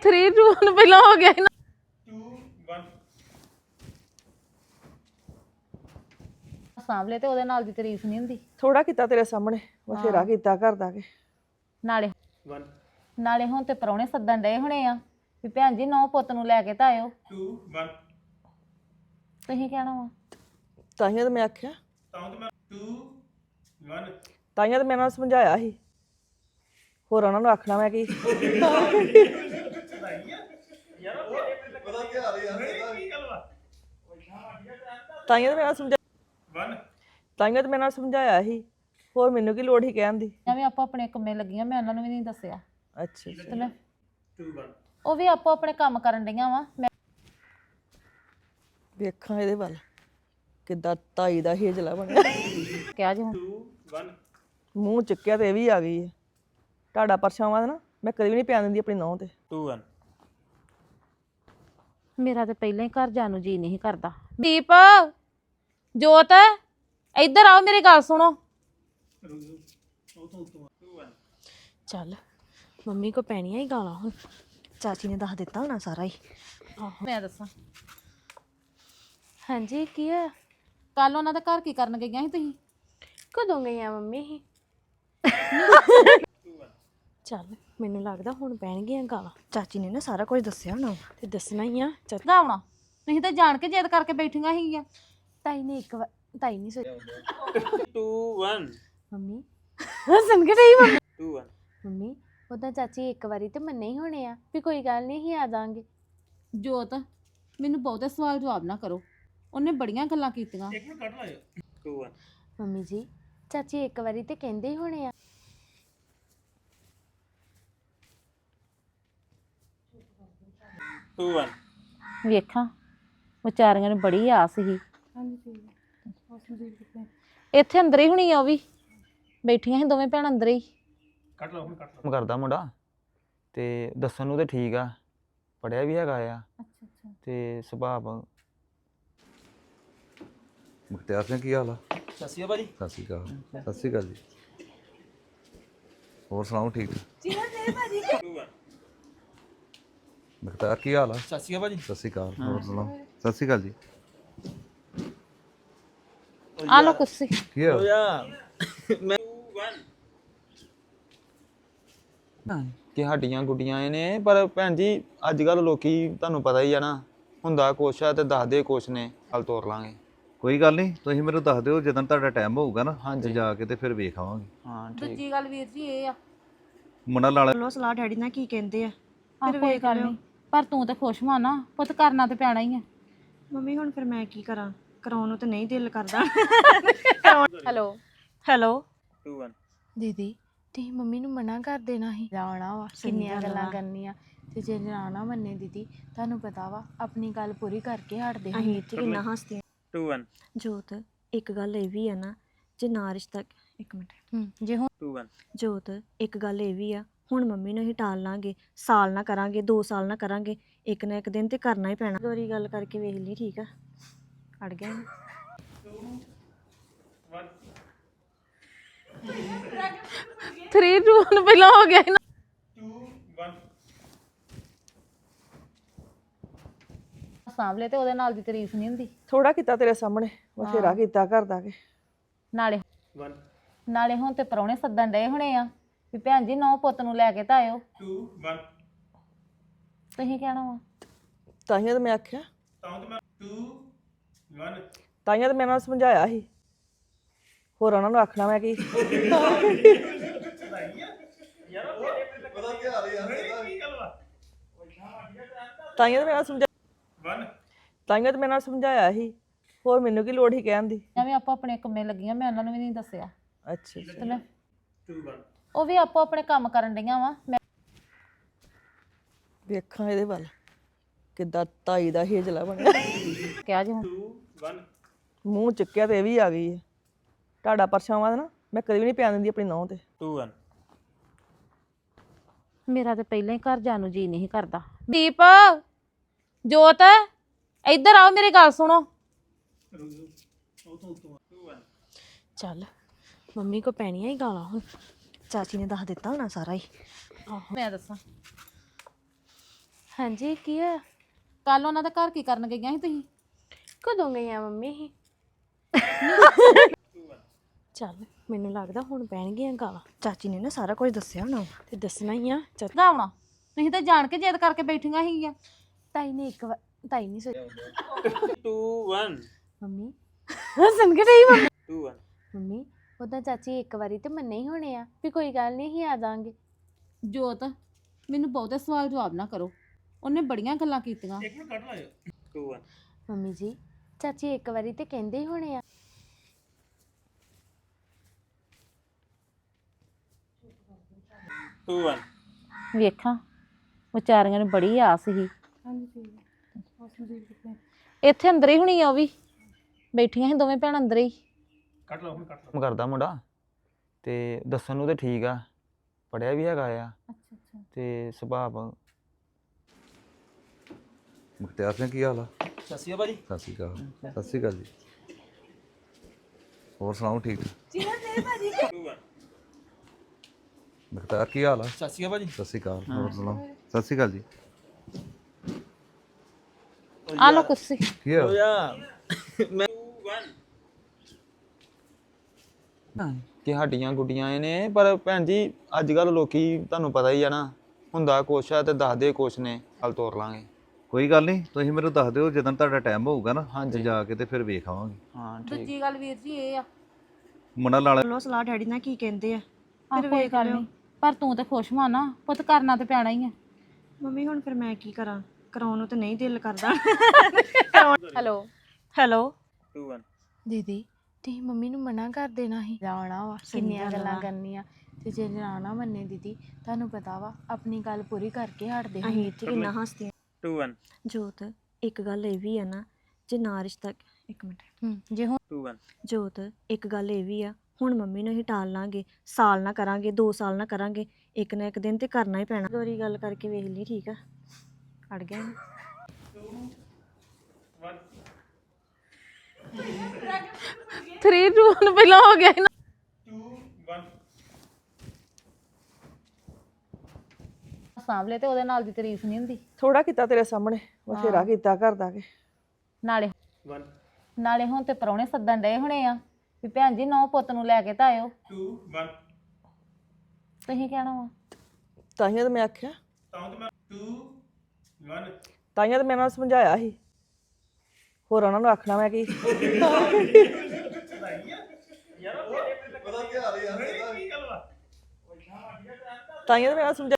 3 2 1 ਪਹਿਲਾਂ ਹੋ ਗਿਆ ਸੀ ਨਾ 2 1 ਸਾਂਭਲੇ ਤੇ ਉਹਦੇ ਨਾਲ ਦੀ ਤਾਰੀਫ ਨਹੀਂ ਹੁੰਦੀ। ਥੋੜਾ ਕੀਤਾ ਤੇਰੇ ਸਾਹਮਣੇ ਬਥੇਰਾ ਕੀਤਾ ਘਰ ਦਾ ਕੇ ਨਾਲੇ 1 ਨਾਲੇ ਹੁਣ ਤੇ ਪਰੌਣੇ ਸੱਦਣ ਡਏ ਹੋਣੇ ਆ ਵੀ ਭੈਣ ਜੀ ਨੌ ਪੁੱਤ ਨੂੰ ਲੈ ਕੇ ਤਾਂ ਆਇਓ। 2 1 ਤੁਸੀਂ ਕਹਿਣਾ ਵਾ ਤਾਈਆਂ ਤਾਂ ਮੈਂ ਆਖਿਆ ਤਾਂ ਮੈਂ 2 1 ਤਾਈਆਂ ਤਾਂ ਮੈਂ ਨਾਲ ਸਮਝਾਇਆ ਸੀ ਹੋਰ ਉਹਨਾਂ ਨੂੰ ਆਖਣਾ ਮੈਂ ਕੀ ਤਾਈਆਂ ਤਾਂ ਮੈਂ ਨਾਲ ਸਮਝਾ 1 ਤਾਈਆਂ ਤਾਂ ਮੈਂ ਨਾਲ ਸਮਝਾਇਆ ਸੀ ਹੋਰ ਮੈਨੂੰ ਕੀ ਲੋੜ ਸੀ ਕਹਿਣ ਦੀ ਐਵੇਂ ਆਪੋ ਆਪਣੇ ਕੰਮੇ ਲੱਗੀਆਂ ਮੈਂ ਉਹਨਾਂ ਨੂੰ ਵੀ ਨਹੀਂ ਦੱਸਿਆ ਅੱਛਾ ਤੇ ਮੈਂ 2 1 ਉਹ ਵੀ ਆਪੋ ਆਪਣੇ ਕੰਮ ਕਰਨ ਡਈਆਂ ਵਾ ਮੈਂ ਵੇਖਾਂ ਇਹਦੇ ਵੱਲ ਕਿੱਦਾਂ ਤਾਈ ਦਾ ਹੇਜਲਾ ਬਣਿਆ ਕਿਹਾ ਜੀ ਹੁਣ 2 1 ਮੂੰਹ ਚੁੱਕਿਆ ਤੇ ਇਹ ਵੀ ਆ ਗਈ ਹੈ ਤੁਹਾਡਾ ਪਰਛਾਵਾਂ ਨਾ ਮੈਂ ਕਦੇ ਵੀ ਨਹੀਂ ਪਿਆ ਦਿੰਦੀ ਆਪਣੀ ਨੌਂ ਤੇ 2 1 ਮੇਰਾ ਤੇ ਪਹਿਲਾਂ ਹੀ ਘਰ ਜਾਣ ਨੂੰ ਜੀ ਨਹੀਂ ਕਰਦਾ। ਦੀਪ ਜੋਤ ਇੱਧਰ ਆਓ ਮੇਰੀ ਗੱਲ ਸੁਣੋ। ਚੱਲ ਮੰਮੀ ਕੋ ਪੈਣੀਆਂ ਹੀ ਗਾਲਾਂ ਹੁਣ ਚਾਚੀ ਨੇ ਦੱਸ ਦਿੱਤਾ ਹੋਣਾ ਸਾਰਾ ਹੀ ਮੈਂ ਦੱਸਾਂ ਹਾਂਜੀ ਕੀ ਆ ਕੱਲ ਉਹਨਾਂ ਦੇ ਘਰ ਕੀ ਕਰਨ ਗਈਆਂ ਸੀ ਤੁਸੀਂ? ਕਦੋਂ ਗਈਆਂ ਮੰਮੀ ਹੀ ਚੱਲ ਮੈਨੂੰ ਲੱਗਦਾ ਹੁਣ ਪੈਣਗੀਆਂ ਗਾਲਾਂ ਚਾਚੀ ਨੇ ਨਾ ਸਾਰਾ ਕੁਝ ਦੱਸਿਆ ਹੋਣਾ ਤੇ ਦੱਸਣਾ ਹੀ ਆ ਦਾ ਆਉਣਾ ਤੁਸੀਂ ਤਾਂ ਜਾਣ ਕੇ ਜਿੱਦ ਕਰਕੇ ਬੈਠੀਆਂ ਸੀਗੀਆਂ। ਤਾਈ ਨੇ ਇੱਕ ਵਾਰ ਤਾਈ ਨਹੀਂ ਸੋਚਿਆ 2 1 ਮੰਮੀ ਹੱਸਣ ਕੇ ਨਹੀਂ ਮੰਮੀ 2 1 ਮੰਮੀ ਉਹਦਾ ਚਾਚੀ ਇੱਕ ਵਾਰੀ ਤੇ ਮੰਨੇ ਹੀ ਹੋਣੇ ਆ ਵੀ ਕੋਈ ਗੱਲ ਨਹੀਂ ਹੀ ਆ ਜਾਾਂਗੇ। ਜੋਤ ਮੈਨੂੰ ਬਹੁਤੇ ਸਵਾਲ ਜਵਾਬ ਨਾ ਕਰੋ ਉਹਨੇ ਬੜੀਆਂ ਗੱਲਾਂ ਕੀਤੀਆਂ। ਇੱਕ ਮਿੰਟ ਕੱਢ ਲਾਇਓ 2 1 ਮੰਮੀ ਜੀ ਚਾਚੀ ਇੱਕ ਵਾਰੀ ਤੇ ਕਹਿੰਦੇ ਹੀ ਹੋਣੇ ਆ 2 1 ਵੇਖਾਂ ਵਿਚਾਰੀਆਂ ਨੂੰ ਬੜੀ ਆਸ ਸੀ। ਇੱਥੇ ਅੰਦਰ ਹੀ ਹੋਣੀ ਆ ਉਹ ਵੀ ਬੈਠੀਆਂ ਸੀ ਦੋਵੇਂ ਭੈਣਾਂ ਅੰਦਰ ਹੀ। ਕੱਢ ਲਓ ਹੁਣ ਕੱਢ ਲਓ ਕੰਮ ਕਰਦਾ ਮੁੰਡਾ ਤੇ ਦੱਸਣ ਨੂੰ ਤੇ ਠੀਕ ਆ ਪੜਿਆ ਵੀ ਹੈਗਾ ਆ ਤੇ ਸੁਭਾਅ ਮੁਖਤਿਆਰ ਸਿੰਘ ਕੀ ਹਾਲ ਆ? ਸਤਿ ਸ਼੍ਰੀ ਅਕਾਲ ਭਾਜੀ। ਸਤਿ ਸ਼੍ਰੀ ਅਕਾਲ ਸਤਿ ਸ਼੍ਰੀ ਅਕਾਲ ਜੀ ਹੋਰ ਸੁਣਾਓ ਠੀਕ 2 1 ਮੁਖਤਿਆਰ ਕੀ ਹਾਲ ਆ? ਸਤਿ ਸ਼੍ਰੀ ਅਕਾਲ ਭਾਜੀ। ਸਤਿ ਸ਼੍ਰੀ ਅਕਾਲ ਹੋਰ ਸੁਣਾਓ ਸਤਿ ਸ਼੍ਰੀ ਅਕਾਲ ਜੀ ਆ ਲੋ ਕੁਰਸੀ। ਕੀ ਹੋਇਆ? ਕਿ ਹੱਡੀਆਂ ਗੁੱਡੀਆਂ ਇਹ ਨੇ ਪਰ ਭੈਣ ਜੀ ਅੱਜ ਕੱਲ ਲੋਕੀ ਤੁਹਾਨੂੰ ਪਤਾ ਹੀ ਆ ਨਾ ਹੁੰਦਾ ਕੁਛ ਆ ਤੇ ਦੱਸਦੇ ਕੁਛ ਨੇ ਕੱਲ ਤੋਰ ਲਾਂਗੇ। ਕੋਈ ਗੱਲ ਨਹੀਂ ਤੁਸੀਂ ਮੈਨੂੰ ਦੱਸ ਦਿਓ ਜਦੋਂ ਤੁਹਾਡਾ ਟਾਈਮ ਹੋਊਗਾ ਨਾ ਹਾਂਜੀ। ਤੇ ਜਾ ਕੇ ਤੇ ਫਿਰ ਵੇਖ ਆਵਾਂਗੇ। ਹਾਂ ਠੀਕ। ਦੂਜੀ ਗੱਲ ਵੀਰ ਜੀ ਇਹ ਆ ਮੁੰਡਾ ਲਾਲਾ ਚਲੋ ਸਲਾਹ ਡੈਡੀ ਨਾਲ ਕੀ ਕਹਿੰਦੇ ਆ ਫਿਰ ਕੋਈ ਗੱਲ ਨਹੀਂ ਪਰ ਤੂੰ ਤੇ ਖੁਸ਼ ਹੋਣਾ ਨਾ ਪੁੱਤ ਕਰਨਾ ਤੇ ਪੈਣਾ ਹੀ ਆ। ਮੰਮੀ ਹੁਣ ਫਿਰ ਮੈਂ ਕੀ ਕਰਾਂ ਕਰਾਉਣ ਨੂੰ ਤਾਂ ਨਹੀਂ ਦਿਲ ਕਰਦਾ ਹੈਲੋ ਹੈਲੋ 2 1 ਦੀਦੀ ਤੁਸੀਂ ਮੰਮੀ ਨੂੰ ਮਨਾ ਕਰ ਦੇਣਾ ਸੀ ਜਾਣਾ ਵਾ ਕਿੰਨੀਆਂ ਗੱਲਾਂ ਕਰਨੀਆਂ ਤੇ ਜੇ ਨਾ ਨਾ ਮੰਨੇ ਦੀਦੀ ਤੁਹਾਨੂੰ ਪਤਾ ਵਾ ਆਪਣੀ ਗੱਲ ਪੂਰੀ ਕਰਕੇ ਹਟਦੇ ਹਾਂ ਅਸੀਂ ਕਿੰਨਾ ਹੱਸਦੇ 2 1 ਜੋਤ ਇੱਕ ਗੱਲ ਇਹ ਵੀ ਆ ਨਾ ਜੇ ਨਾ ਰਿਸ਼ਤਾ ਇੱਕ ਮਿੰਟ ਜੇ ਹੁਣ 2 1 ਜੋਤ ਇੱਕ ਗੱਲ ਇਹ ਵੀ ਆ ਹੁਣ ਮੰਮੀ ਨੂੰ ਅਸੀਂ ਟਾਲ ਲਾਂਗੇ ਸਾਲ ਨਾ ਕਰਾਂਗੇ 2 ਸਾਲ ਨਾ ਕਰਾਂਗੇ ਇੱਕ ਨਾ ਇੱਕ ਦਿਨ ਤੇ ਕਰਨਾ ਹੀ ਪੈਣਾ ਦੋਰੀ ਗੱਲ ਕਰਕੇ ਵੇਖ ਲਈ ਠੀਕ ਆ ਅੜ ਗਿਆ 3 2 1 ਪਹਿਲਾਂ ਹੋ ਗਿਆ ਸੀ ਨਾ 2 1 ਸਾਂਭਲੇ ਤੇ ਉਹਦੇ ਨਾਲ ਦੀ ਤਾਰੀਫ ਨਹੀਂ ਹੁੰਦੀ। ਥੋੜਾ ਕੀਤਾ ਤੇਰੇ ਸਾਹਮਣੇ ਬਥੇਰਾ ਕੀਤਾ ਘਰ ਦਾ ਕੇ ਨਾਲੇ 1 ਨਾਲੇ ਹੁਣ ਤੇ ਪਰੌਣੇ ਸੱਦਣ ਡਏ ਹੋਣੇ ਆ ਵੀ ਭੈਣ ਜੀ ਨੌ ਪੁੱਤ ਨੂੰ ਲੈ ਕੇ ਤਾਂ ਆਇਓ। 2 1 ਤੁਸੀਂ ਕਹਿਣਾ ਵਾ ਤਾਈਆਂ ਤਾਂ ਮੈਂ ਆਖਿਆ ਤਾਂ ਮੈਂ 2 1 ਤਾਈਆਂ ਤਾਂ ਮੈਂ ਨਾਲ ਸਮਝਾਇਆ ਸੀ ਹੋਰ ਉਹਨਾਂ ਨੂੰ ਆਖਣਾ ਮੈਂ ਕੀ ਤਾਈਆਂ ਤਾਂ ਮੈਂ ਨਾਲ ਸਮਝਾ 1 ਤਾਈਆਂ ਤਾਂ ਮੈਂ ਨਾਲ ਸਮਝਾਇਆ ਸੀ ਹੋਰ ਮੈਨੂੰ ਕੀ ਲੋੜ ਸੀ ਕਹਿਣ ਦੀ ਐਵੇਂ ਆਪੋ ਆਪਣੇ ਕੰਮੇ ਲੱਗੀਆਂ ਮੈਂ ਉਹਨਾਂ ਨੂੰ ਵੀ ਨਹੀਂ ਦੱਸਿਆ ਅੱਛਾ ਤੇ ਮੈਂ 2 1 ਉਹ ਵੀ ਆਪੋ ਆਪਣੇ ਕੰਮ ਕਰਨ ਡਈਆਂ ਵਾ ਮੈਂ ਵੇਖਾਂ ਇਹਦੇ ਵੱਲ ਕਿੱਦਾਂ ਤਾਈ ਦਾ ਹੇਜਲਾ ਬਣਿਆ ਕਿਹਾ ਜੀ ਹੁਣ 2 1 ਮੂੰਹ ਚੁੱਕਿਆ ਤੇ ਇਹ ਵੀ ਆ ਗਈ ਹੈ ਤੁਹਾਡਾ ਪਰਛਾਵਾਂ ਨਾ ਮੈਂ ਕਦੇ ਵੀ ਨਹੀਂ ਪਿਆ ਦਿੰਦੀ ਆਪਣੀ ਨੌਂ ਤੇ 2 1 ਮੇਰਾ ਤੇ ਪਹਿਲਾਂ ਹੀ ਘਰ ਜਾਣ ਨੂੰ ਜੀ ਨਹੀਂ ਕਰਦਾ। ਦੀਪ ਜੋਤ ਇੱਧਰ ਆਓ ਮੇਰੀ ਗੱਲ ਸੁਣੋ। ਚੱਲ ਮੰਮੀ ਕੋ ਪੈਣੀਆਂ ਹੀ ਗਾਲਾਂ ਹੁਣ ਚਾਚੀ ਨੇ ਦੱਸ ਦਿੱਤਾ ਹੋਣਾ ਸਾਰਾ ਹੀ ਮੈਂ ਦੱਸਾਂ ਹਾਂਜੀ ਕੀ ਆ? ਕੱਲ ਉਹਨਾਂ ਦੇ ਘਰ ਕੀ ਕਰਨ ਗਈਆਂ ਸੀ ਤੁਸੀਂ? ਕਦੋਂ ਗਈਆਂ ਮੰਮੀ ਹੀ? ਚੱਲ ਮੈਨੂੰ ਲੱਗਦਾ ਹੁਣ ਪੈਣਗੀਆਂ ਗਾਲਾਂ। ਚਾਚੀ ਨੇ ਨਾ ਸਾਰਾ ਕੁਝ ਦੱਸਿਆ ਹੋਣਾ ਤੇ ਦੱਸਣਾ ਹੀ ਆ। ਚੱਲ ਗਾਉਣਾ ਤੁਸੀਂ ਤਾਂ ਜਾਣ ਕੇ ਜਿੱਦ ਕਰਕੇ ਬੈਠੀਆਂ ਸੀਗੀਆਂ। ਤਾਈ ਨੇ ਇੱਕ ਵਾਰ ਤਾਈ ਨਹੀਂ ਸੋਚਿਆ 2 1 ਮੰਮੀ ਹੱਸਣ ਕੇ ਨਹੀਂ ਮੰਮੀ 2 1 ਮੰਮੀ ਉਹਦਾ ਚਾਚੀ ਇੱਕ ਵਾਰੀ ਤੇ ਮੰਨੇ ਹੀ ਹੋਣੇ ਆ ਵੀ ਕੋਈ ਗੱਲ ਨਹੀਂ ਹੀ ਆ ਜਾਾਂਗੇ। ਜੋਤ ਮੈਨੂੰ ਬਹੁਤੇ ਸਵਾਲ ਜਵਾਬ ਨਾ ਕਰੋ, ਉਹਨੇ ਬੜੀਆਂ ਗੱਲਾਂ ਕੀਤੀਆਂ। ਇੱਕ ਮਿੰਟ ਕੱਟ ਲਾਇਓ 2 1 ਮੰਮੀ ਜੀ ਚਾਚੀ ਇੱਕ ਵਾਰੀ ਤੇ ਕਹਿੰਦੇ ਹੀ ਹੋਣੇ ਆ। 2 1 ਵੇਖਾਂ ਵਿਚਾਰੀਆਂ ਨੂੰ ਬੜੀ ਆਸ ਸੀ। ਇੱਥੇ ਅੰਦਰ ਹੀ ਹੋਣੀ ਆ, ਉਹ ਵੀ ਬੈਠੀਆਂ ਸੀ ਦੋਵੇਂ ਭੈਣ ਅੰਦਰ ਹੀ। ਕੱਟ ਲਓ ਹੁਣ ਕੱਟ ਲਓ ਕੰਮ ਕਰਦਾ ਮੁੰਡਾ ਤੇ ਦੱਸਣ ਨੂੰ ਤੇ ਠੀਕ ਆ, ਪੜਿਆ ਵੀ ਹੈਗਾ ਆ ਤੇ ਸੁਭਾਅ ਮੁਖਤਿਆਰ ਸਿੰਘ ਕੀ ਹਾਲ ਆ? ਸਤਿ ਸ਼੍ਰੀ ਅਕਾਲ ਭਾਜੀ। ਸਤਿ ਸ਼੍ਰੀ ਅਕਾਲ। ਸਤਿ ਸ਼੍ਰੀ ਅਕਾਲ ਜੀ। ਹੋਰ ਸੁਣਾਓ ਠੀਕ? 2 1 ਮੁਖਤਿਆਰ ਕੀ ਹਾਲ ਆ? ਸਤਿ ਸ਼੍ਰੀ ਅਕਾਲ ਭਾਜੀ। ਸਤਿ ਸ਼੍ਰੀ ਅਕਾਲ। ਹੋਰ ਸੁਣਾਓ? ਸਤਿ ਸ਼੍ਰੀ ਅਕਾਲ ਜੀ। ਆ ਲੋ ਕੁਰਸੀ। ਕੀ ਹੋਇਆ? 2 1 ਕਿ ਹੱਡੀਆਂ ਗੁੱਡੀਆਂ ਇਹ ਨੇ, ਪਰ ਭੈਣ ਜੀ ਅੱਜ ਕੱਲ ਲੋਕੀ ਤੁਹਾਨੂੰ ਪਤਾ ਹੀ ਆ ਨਾ, ਹੁੰਦਾ ਕੁਛ ਆ ਤੇ ਦੱਸਦੇ ਕੁਛ ਨੇ। ਕੱਲ ਤੋਰ ਲਾਂਗੇ। ਕੋਈ ਗੱਲ ਨਹੀਂ, ਤੁਸੀਂ ਮੈਨੂੰ ਦੱਸ ਦਿਓ ਜਦੋਂ ਤੁਹਾਡਾ ਟਾਈਮ ਹੋਊਗਾ ਨਾ। ਹਾਂਜੀ। ਤੇ ਜਾ ਕੇ ਤੇ ਫਿਰ ਵੇਖ ਆਵਾਂਗੇ। ਹਾਂ ਠੀਕ। ਦੂਜੀ ਗੱਲ ਵੀਰ ਜੀ ਇਹ ਆ, ਮੁੰਡਾ ਨਾਲ ਚਲੋ ਸਲਾਹ ਡੈਡੀ ਨਾਲ ਕੀ ਕਹਿੰਦੇ ਆ ਫਿਰ ਕੋਈ ਗੱਲ ਨਹੀਂ, ਪਰ ਤੂੰ ਤੇ ਖੁਸ਼ ਹੋਣਾ ਨਾ ਪੁੱਤ, ਕਰਨਾ ਤੇ ਪੈਣਾ ਹੀ ਆ। ਮੰਮੀ ਹੁਣ ਫਿਰ ਮੈਂ ਕੀ ਕਰਾਂ, ਕਰਾਉਣ ਨੂੰ ਤਾਂ ਨਹੀਂ ਦਿਲ ਕਰਦਾ। ਹੈਲੋ ਹੈਲੋ 2 1 ਦੀਦੀ ਤੁਸੀਂ ਮੰਮੀ ਨੂੰ ਮਨਾ ਕਰ ਦੇਣਾ ਸੀ ਜਾਣਾ ਵਾ, ਕਿੰਨੀਆਂ ਗੱਲਾਂ ਕਰਨੀਆਂ। ਤੇ ਜੇ ਨਾ ਨਾ ਮੰਨੇ ਦੀਦੀ ਤੁਹਾਨੂੰ ਪਤਾ ਵਾ ਆਪਣੀ ਗੱਲ ਪੂਰੀ ਕਰਕੇ ਹਟਦੇ ਹਾਂ। ਅਸੀਂ ਇੱਥੇ ਕਿੰਨਾ ਹੱਸਦੇ 2 1 ਜੋਤ ਇੱਕ ਗੱਲ ਇਹ ਵੀ ਆ ਨਾ, ਜੇ ਨਾ ਰਿਸ਼ਤਾ ਇੱਕ ਮਿੰਟ ਜੇ ਹੁਣ 2 1 ਜੋਤ ਇੱਕ ਗੱਲ ਇਹ ਵੀ ਆ, ਹੁਣ ਮੰਮੀ ਨੂੰ ਅਸੀਂ ਟਾਲ ਲਾਂਗੇ, ਸਾਲ ਨਾ ਕਰਾਂਗੇ 2 ਸਾਲ ਨਾ ਕਰਾਂਗੇ, ਇੱਕ ਨਾ ਇੱਕ ਦਿਨ ਤੇ ਕਰਨਾ ਹੀ ਪੈਣਾ। ਦੋਰੀ ਗੱਲ ਕਰਕੇ ਵੇਖ ਲਈ, ਠੀਕ ਆ? ਅੜ ਗਿਆ ਨਾ। 3 2 1 ਪਹਿਲਾਂ ਹੋ ਗਿਆ ਸੀ ਨਾ। 2 1 ਸਾਂਭਲੇ ਤੇ ਉਹਦੇ ਨਾਲ ਦੀ ਤਾਰੀਫ ਨਹੀਂ ਹੁੰਦੀ। ਥੋੜਾ ਕੀਤਾ ਤੇਰੇ ਸਾਹਮਣੇ, ਬਥੇਰਾ ਕੀਤਾ ਘਰ ਦਾ ਕੇ। ਨਾਲੇ 1 ਨਾਲੇ ਹੁਣ ਤੇ ਪਰੌਣੇ ਸੱਦਣ ਡਏ ਹੋਣੇ ਆ ਵੀ ਭੈਣ ਜੀ ਨੌ ਪੁੱਤ ਨੂੰ ਲੈ ਕੇ ਤਾਂ ਆਇਓ। 2 1 ਤੁਸੀਂ ਕਹਿਣਾ ਵਾ ਤਾਈਆਂ ਤਾਂ ਮੈਂ ਆਖਿਆ, ਤਾਂ ਮੈਂ 2 1 ਤਾਈਆਂ ਤਾਂ ਮੈਂ ਉਹਨਾਂ ਨੂੰ ਸਮਝਾਇਆ ਸੀ, ਹੋਰ ਉਹਨਾਂ ਨੂੰ ਆਖਣਾ ਮੈਂ ਕੀ। ਤਾਈਆਂ ਤਾਂ ਮੈਂ ਸਮਝਾ